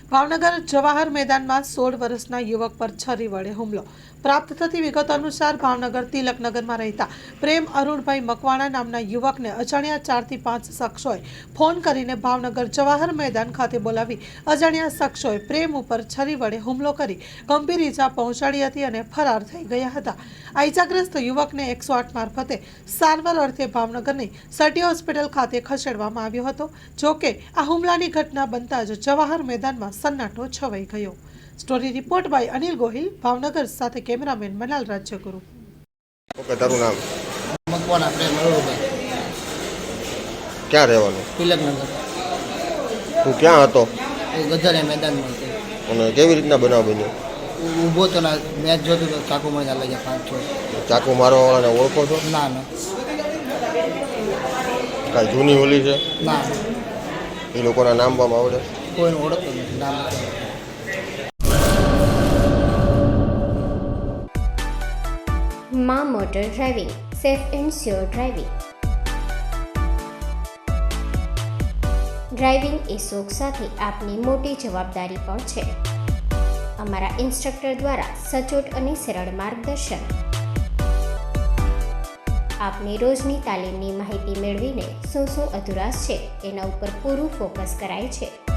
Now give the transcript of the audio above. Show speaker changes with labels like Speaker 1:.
Speaker 1: ભાવનગર જવાહર મેદાનમાં 16 વર્ષના યુવક પર છરી વડે હુમલો. પ્રાપ્ત થતી વિગતો અનુસાર ભાવનગર તિલકનગરમાં રહેતા પ્રેમ અરુણભાઈ મકવાણા નામના યુવકને અજાણ્યા 4 થી 5 શખ્સોએ ફોન કરીને ભાવનગર જવાહર મેદાન ખાતે બોલાવી અજાણ્યા શખ્સોએ પ્રેમ ઉપર છરી વડે હુમલો કરી ગંભીર ઈજા પહોંચાડી હતી અને ફરાર થઈ ગયા હતા. આ ઈજાગ્રસ્ત યુવકને 108 મારફતે સારવાર અર્થે ભાવનગરની સટી હોસ્પિટલ ખાતે ખસેડવામાં આવ્યો હતો. જોકે આ હુમલાની ઘટના બનતા જ જવાહર મેદાનમાં સન્નાટો છવાઈ ગયો. Story report by Anil Gohil, Bhavnagar. સાથે કેમેરામેન મનાલ રાજ્યગુરુ.
Speaker 2: ઓકે, તારું નામ?
Speaker 3: મકવાણા પ્રેમ અરુણભાઈ.
Speaker 2: ક્યાં રહેવાનું?
Speaker 3: તિલકનગર.
Speaker 2: તું ક્યાં હતો?
Speaker 3: ગધરિયા મેદાનમાં હતો.
Speaker 2: અને કેવી રીતના બનાવ બન્યો?
Speaker 3: ઊભો તો ના મેચ જોતો તો ચાકુ મારી લઈ ગયા 5-6.
Speaker 2: ચાકુ મારવાવાળાને ઓળખો છો?
Speaker 3: ના ના
Speaker 2: કાંઈ જૂની હોલી છે?
Speaker 3: ના
Speaker 2: એ લોકોના નામ પણ આવડે?
Speaker 3: કોઈને ઓળખતો નથી. નામ નથી.
Speaker 4: માં motor driving, safe and sure driving. Driving એ શોખ સાથે આપની મોટી જવાબદારી પણ છે. અમારા ઇન્સ્ટ્રક્ટર દ્વારા સચોટ અને સરળ માર્ગદર્શન. આપની રોજની તાલીમની માહિતી મેળવીને શું અધુરાશ છે એના ઉપર પૂરું ફોકસ કરાય છે.